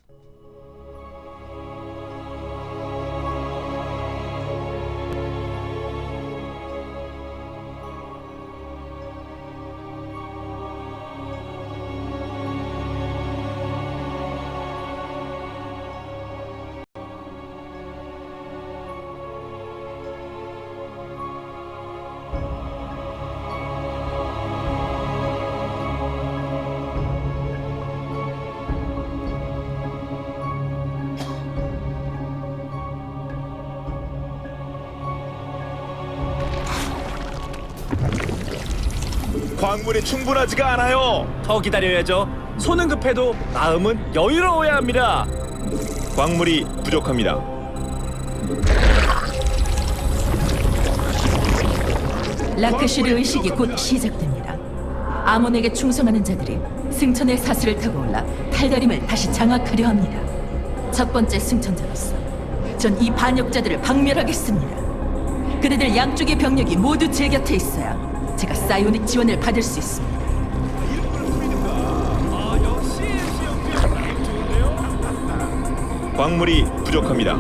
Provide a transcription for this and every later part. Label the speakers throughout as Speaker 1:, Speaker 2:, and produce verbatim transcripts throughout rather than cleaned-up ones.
Speaker 1: 광물이 충분하지가 않아요.
Speaker 2: 더 기다려야죠. 손은 급해도 마음은 여유로워야 합니다.
Speaker 1: 광물이 부족합니다.
Speaker 3: 라크슈르 의식이 곧 시작됩니다. 아몬에게 충성하는 자들이 승천의 사슬을 타고 올라 탈다림을 다시 장악하려 합니다. 첫 번째 승천자로서 전 이 반역자들을 박멸하겠습니다. 그대들 양쪽의 병력이 모두 제 곁에 있어야 제가 사이오닉 지원을 받을 수 있습니다.
Speaker 2: 아, 역시 좋은데요?
Speaker 1: 광물이 부족합니다.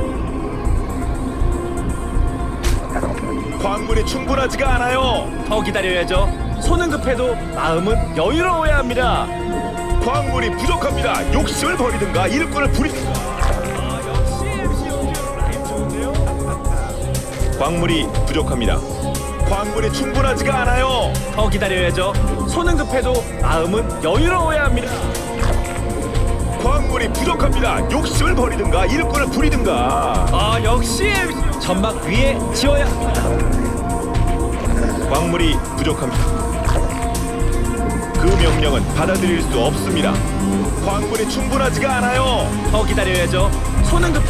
Speaker 1: 광물이 충분하지가 않아요.
Speaker 2: 더 기다려야죠. 손은 급해도 마음은 여유로워야 합니다.
Speaker 1: 광물이 부족합니다. 욕심을 버리든가 일꾼을 부리든가.
Speaker 2: 아, 역시 엠씨 영주 라임 좋은데요?
Speaker 1: 광물이 부족합니다. 광물이 충분하지가 않아요.
Speaker 2: 더 기다려야죠. 손은 급해도 마음은 여유로워야 합니다.
Speaker 1: 광물이 부족합니다. 욕심을 버리든가 일꾼을 부리든가.
Speaker 2: 아, 역시 엠씨 전막 위에 지어야 합니다.
Speaker 1: 광물이 부족합니다. 그 명령은 받아들일 수 없습니다. 광물이 충분하지가 않아요.
Speaker 2: 더 기다려야죠. 손은 급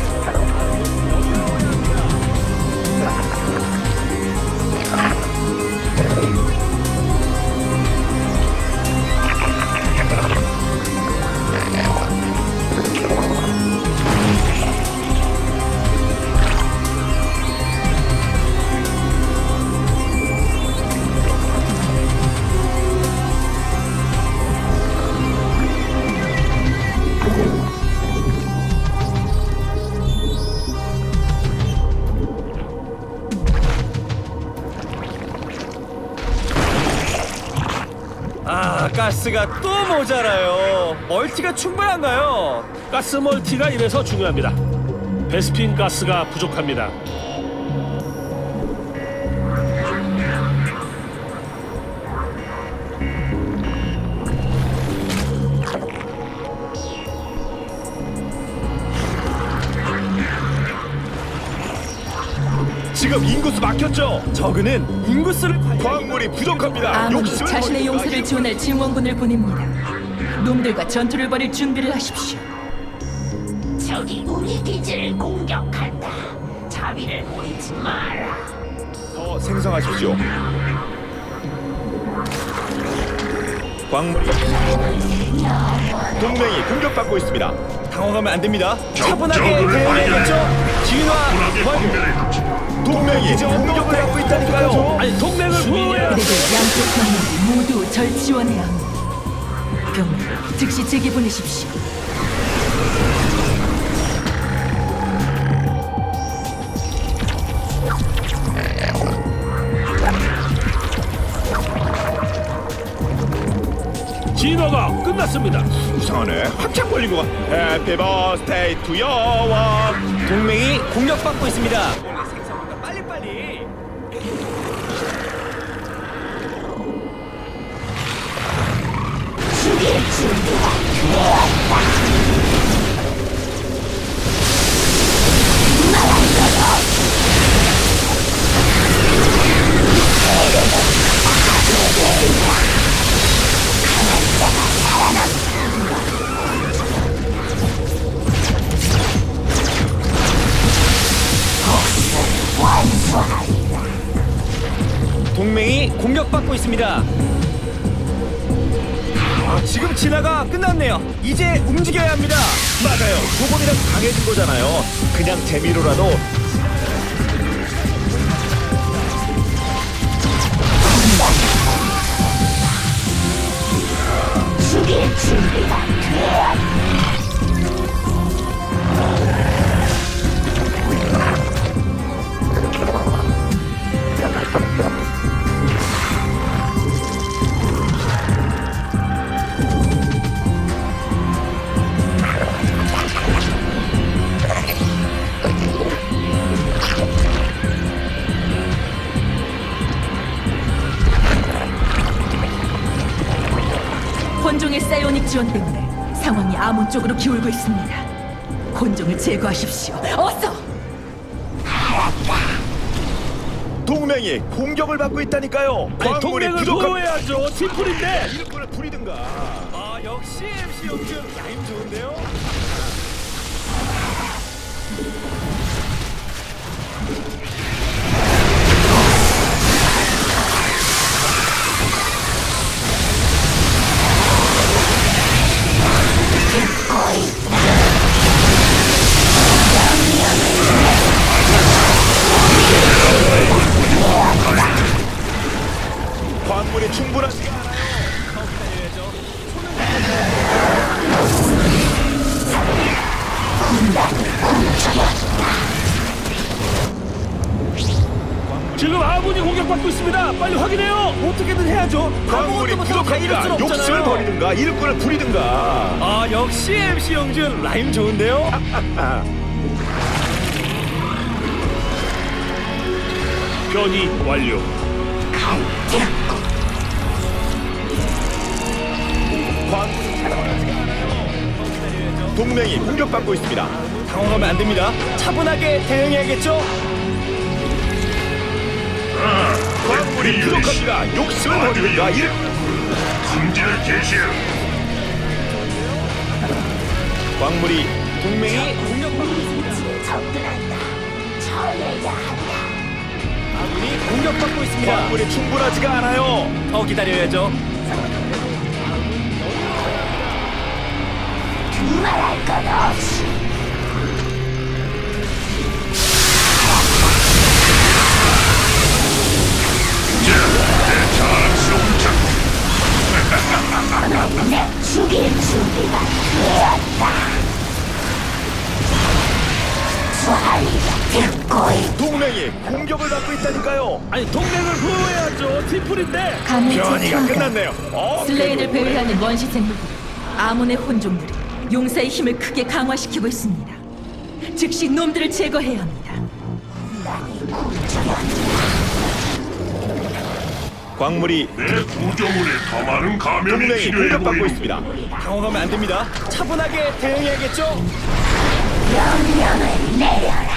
Speaker 2: 아, 가스가 또 모자라요. 멀티가 충분한가요?
Speaker 4: 가스 멀티가 이래서 중요합니다. 베스핀 가스가 부족합니다.
Speaker 1: 지금 인구수 막혔죠?
Speaker 2: 저그는 인구수를 관리
Speaker 1: 광물이 부족합니다.
Speaker 3: 아몬이
Speaker 1: 욕심을
Speaker 3: 자신의
Speaker 1: 버리든가
Speaker 3: 용사를 지원할 증원군을 보냅니다. 놈들과 전투를 벌일 준비를 하십시오.
Speaker 5: 적이 우리 기지를 공격한다. 자비를 보이지 마라.
Speaker 1: 더 생성하십시오. 광물이 동맹이 공격받고 있습니다.
Speaker 2: 당황하면 안 됩니다. 차분하게 대응해야겠죠. 진화 완료.
Speaker 1: 동맹이 공격을 하고 있다니까요.
Speaker 2: 아니, 동맹을 보호해야.
Speaker 3: 그대들 양쪽 병력이 모두 절 지원해야 합니다. 병력 즉시 제게 보내십시오.
Speaker 4: 진화가 끝났습니다.
Speaker 1: 이상하네. 한참 걸린 것 같아. 해피 버스데이 투 여왕.
Speaker 2: 동맹이 공격받고 있습니다. 생성보다 빨리빨리. 동맹이 공격받고 있습니다. 아, 지금 진화가 끝났네요. 이제 움직여야 합니다.
Speaker 1: 맞아요. 조금이라도 강해진 거잖아요. 그냥 재미로라도.
Speaker 5: 죽일 준비가 돼.
Speaker 3: 지원 때문에 상황이 아몬 쪽으로 기울고 있습니다. 혼종을 제거하십시오. 어서!
Speaker 1: 동맹이 공격을 받고 있다니까요.
Speaker 4: 아니,
Speaker 1: 광물이
Speaker 4: 동맹을
Speaker 1: 부족합니다.
Speaker 4: 보호해야죠. 팀플인데.
Speaker 1: 일꾼을 부리든가.
Speaker 2: 아, 역시 엠씨 영준 라임 좋은데요?
Speaker 1: 광물이 충분하지 않아요.
Speaker 4: 지금 아군이 공격받고 있습니다. 빨리 확인해요.
Speaker 2: 어떻게든 해야죠.
Speaker 1: 광물이
Speaker 2: 아무것도 못하고 다 잃을 순
Speaker 1: 부족합니다. 욕심을
Speaker 2: 없잖아요.
Speaker 1: 버리든가 일꾼을 부리든가.
Speaker 2: 아, 역시 엠씨 영준 라임 좋은데요?
Speaker 4: 변이 완료.
Speaker 1: 광물이 충분하지가 않아요. 동맹이 공격받고 있습니다.
Speaker 2: 당황하면 안 됩니다. 차분하게 대응해야겠죠?
Speaker 1: 광물이 부족합니다. 욕심을 버리든가 일
Speaker 6: 승진을 개시해.
Speaker 1: 광물이
Speaker 2: 동맹이 공격받고 있습니다.
Speaker 5: 접근한다. 처리해야 한다.
Speaker 2: 아군이 공격받고 있습니다.
Speaker 1: 광물이 충분하지가 않아요.
Speaker 2: 더 기다려야죠.
Speaker 5: 말할 것 없이 내 죽일 준비가 되었다. 소리가 듣고 있다.
Speaker 1: 동맹이 공격을 받고 있다니까요.
Speaker 4: 아니, 동맹을 보호해야죠. 팀플인데.
Speaker 3: 감염체
Speaker 1: 변이가
Speaker 3: 투하가
Speaker 1: 끝났네요. 어,
Speaker 3: 슬레인을 배회하는 원시 생물들 아몬의 혼종들이 용사의 힘을 크게 강화시키고 있습니다. 즉시 놈들을 제거해야 합니다.
Speaker 1: 광물이
Speaker 6: 내 구조물에 더 많은 감염이
Speaker 1: 동맹이
Speaker 6: 필요해
Speaker 1: 공격받고
Speaker 6: 보이는
Speaker 1: 있습니다.
Speaker 2: 당황하면 안 됩니다. 차분하게 대응해야겠죠?
Speaker 5: 명령을 내려라.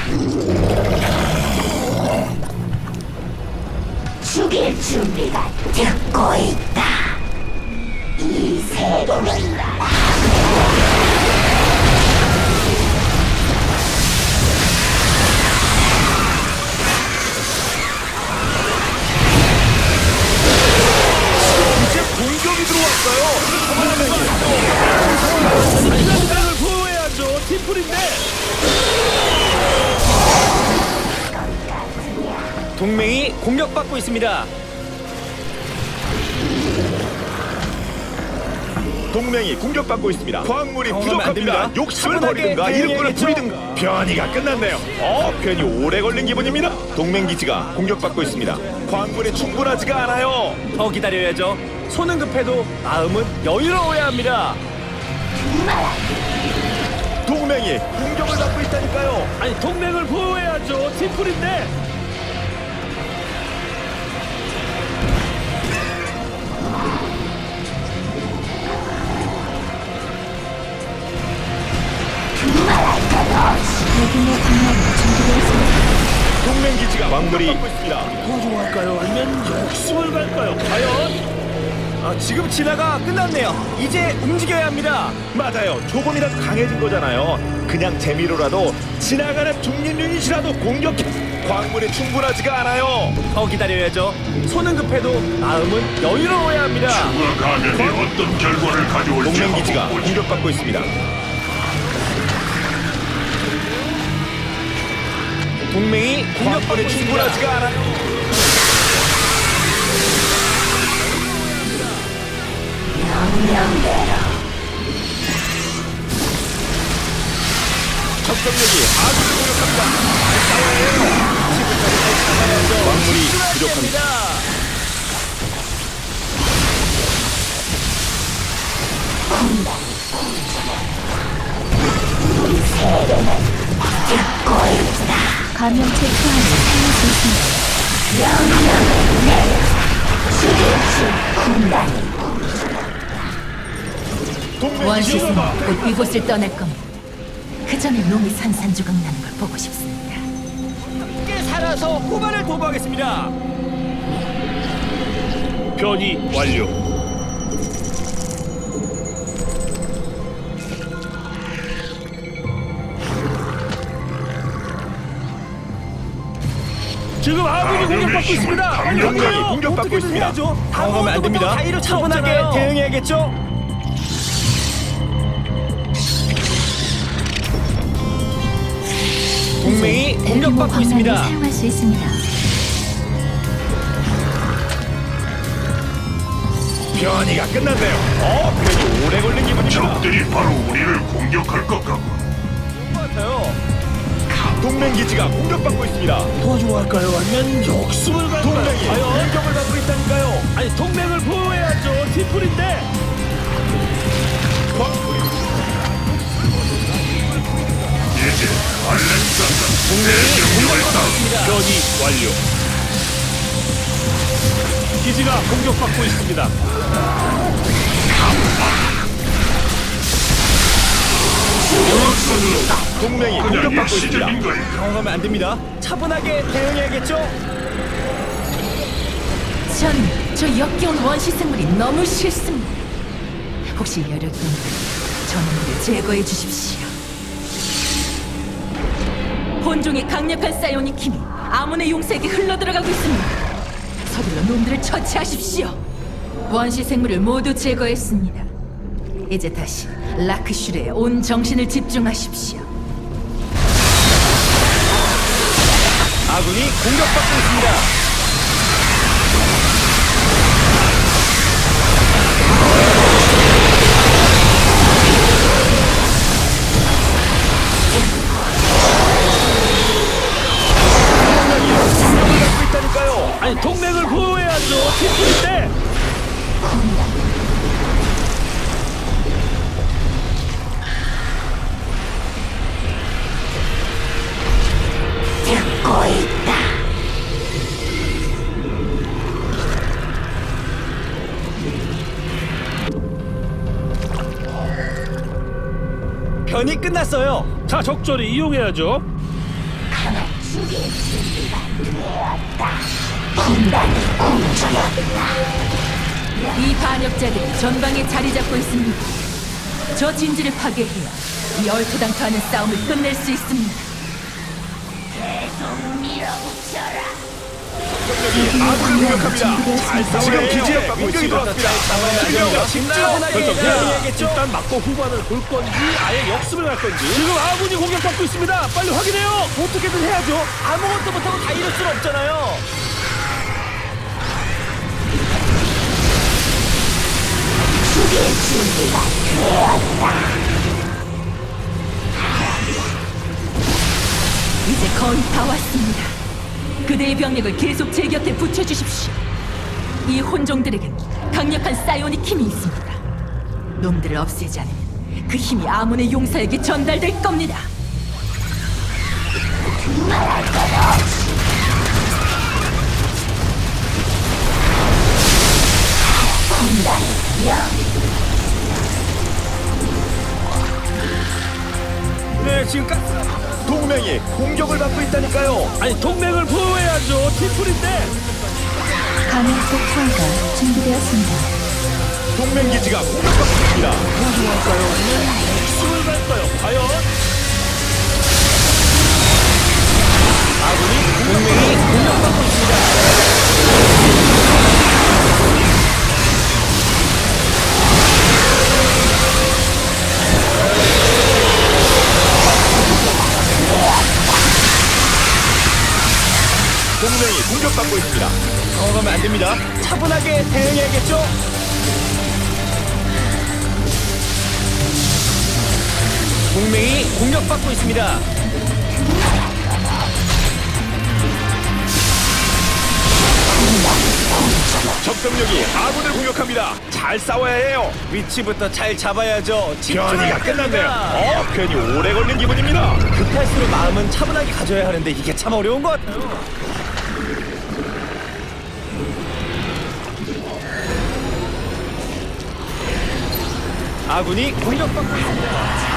Speaker 5: 죽일 준비가 듣고 있다. 이 세계는 나라.
Speaker 1: 이제 공격이 들어왔어요.
Speaker 4: 동맹을 보호해야죠. 팀플인데.
Speaker 2: 동맹이 공격받고 있습니다.
Speaker 1: 동맹이 공격받고 있습니다. 광물이
Speaker 2: 당황하면 안
Speaker 1: 부족합니다.
Speaker 2: 됩니다.
Speaker 1: 욕심을
Speaker 2: 차분하게
Speaker 1: 버리든가 일꾼을
Speaker 2: 대응해야겠죠?
Speaker 1: 부리든가. 변이가 끝났네요. 어, 변이 오래 걸린 기분입니다. 동맹 기지가 공격받고 있습니다. 광물이 충분하지가 않아요.
Speaker 2: 더 기다려야죠. 손은 급해도 마음은 여유로워야 합니다.
Speaker 1: 동맹이 공격을 받고 있다니까요.
Speaker 4: 아니, 동맹을 보호해야죠. 팀플인데.
Speaker 1: 동맹 기지가 광물이 받고 있습니다.
Speaker 4: 도와줄까요? 아니면 욕심을 갈까요? 과연?
Speaker 2: 아, 지금 진화가 끝났네요. 이제 움직여야 합니다.
Speaker 1: 맞아요. 조금이라도 강해진 거잖아요. 그냥 재미로라도 지나가는 중립 유닛이라도 공격해. 광물이 충분하지가 않아요.
Speaker 2: 더 기다려야죠. 손은 급해도 마음은 여유로워야 합니다.
Speaker 6: 추가 감염이 어떤 결과를 가져올지
Speaker 1: 동맹 기지가
Speaker 6: 한번 보지.
Speaker 1: 공격받고 있습니다.
Speaker 2: 동맹이 공격받고
Speaker 1: 광물이
Speaker 2: 있습니다.
Speaker 1: 충분하지가 않아요. 적병력이 아군을 공격합니다. 싸워야 해요. 광물이 부족합니다.
Speaker 3: 감염체 투하를 살릴 수 있습니다.
Speaker 1: 동맹
Speaker 3: 원시
Speaker 1: 기지가
Speaker 3: 생물은 곧 이곳을 떠날 겁니다. 그 전에 놈이 산산조각 나는 걸 보고 싶습니다.
Speaker 2: 함께 살아서 후반을 도모하겠습니다.
Speaker 4: 변이 완료. 지금 아군이 공격받고 있습니다.
Speaker 6: 강력한
Speaker 1: 동맹이 공격받고
Speaker 2: 어떻게든
Speaker 1: 있습니다.
Speaker 2: 해야죠. 당황하면 안 됩니다.
Speaker 3: 다이로
Speaker 2: 차분하게
Speaker 3: 차분하게
Speaker 2: 대응해야겠죠. 동맹이 공격받고 있습니다.
Speaker 3: 사용할 수 있습니다.
Speaker 1: 변이가 끝났네요. 어, 변이 오래 걸린 기분입니다.
Speaker 6: 적들이 바로 우리를 공격할 것 같고
Speaker 2: 같아요.
Speaker 1: 동맹 기지가 공격받고 있습니다.
Speaker 4: 도와주고 할까요? 아니면 역습을 갈까요?
Speaker 1: 동맹이
Speaker 4: 과연?
Speaker 1: 공격을 받고 있다니까요.
Speaker 4: 아니 동맹을 보호해야죠. 팀플인데.
Speaker 1: 광물이
Speaker 6: 이제 알렉산더 대명령을 따
Speaker 4: 변이 완료. 기지가 공격받고 있습니다.
Speaker 1: 동맹이
Speaker 6: 그냥
Speaker 1: 공격받고 있습니다.
Speaker 6: 일시적인 거야.
Speaker 2: 당황하면 안 됩니다. 차분하게 대응해야겠죠.
Speaker 3: 전 저 역겨운 원시 생물이 너무 싫습니다. 혹시 열흘 동안 저놈을 제거해 주십시오. 본종의 강력한 사이오닉 힘이 아몬의 용사에게 흘러들어가고 있습니다. 서둘러 놈들을 처치하십시오. 원시 생물을 모두 제거했습니다. 이제 다시 라크슈르에 온 정신을 집중하십시오.
Speaker 2: 아군이 공격받고 있습니다.
Speaker 1: 공격받고 있다니까요.
Speaker 4: 아니 동맹을 보호해야죠. 팀플인데.
Speaker 5: 듣고 있다.
Speaker 2: 변이 끝났어요.
Speaker 4: 자 적절히 이용해야죠.
Speaker 5: 하나 죽일 준비가 되었다. 군단이 공주였다.
Speaker 3: 이 반역자들이 전방에 자리 잡고 있습니다. 저 진지를 파괴해야 이 얼토당토하는 싸움을 끝낼 수 있습니다.
Speaker 5: 밀어붙여라.
Speaker 1: 병력이 아군을 공격합니다. 잘 싸워야 해요. 기지에 공격이 들어왔습니다.
Speaker 2: 됩니다.
Speaker 1: 집중.
Speaker 2: 결정 대응해야겠죠.
Speaker 4: 일단 맞고 후반을 볼 건지 아예 역습을 갈 건지. 지금 아군이 공격받고 있습니다. 빨리 확인해요.
Speaker 2: 어떻게든 해야죠. 아무것도 못하고 다 이럴 순 없잖아요.
Speaker 5: 죽일 준비가 되었다.
Speaker 3: 이제 거의 다 왔습니다. 그대의 병력을 계속 제 곁에 붙여주십시오. 이 혼종들에겐 강력한 사이오닉 힘이 있습니다. 놈들을 없애지 않으면 그 힘이 아몬의 용사에게 전달될 겁니다.
Speaker 5: 말할 것 없이 군단이 영
Speaker 2: 네, 지금 가...
Speaker 1: 동맹이 공격을 받고 있다니까요.
Speaker 4: 아니 동맹을 보호해야죠. 팀플인데.
Speaker 3: 감염속 투하가 준비되었습니다.
Speaker 1: 동맹 기지가 공격받고 있습니다.
Speaker 4: 역습을 갈까요? 과연?
Speaker 2: 아군이 동맹이 공격받고 있습니다.
Speaker 1: 동맹이 공격받고 있습니다.
Speaker 2: 당황하면 안 됩니다. 차분하게 대응해야겠죠. 동맹이 공격받고 있습니다.
Speaker 1: 적병력이 아군을 공격합니다. 잘 싸워야 해요.
Speaker 2: 위치부터 잘 잡아야죠.
Speaker 1: 변이가 끝났네요.
Speaker 2: 됩니다.
Speaker 1: 어, 변이 오래 걸린 기분입니다.
Speaker 2: 급할수록 마음은 차분하게 가져야 하는데 이게 참 어려운 것 같아요. 아군이 공격받고 있습니다.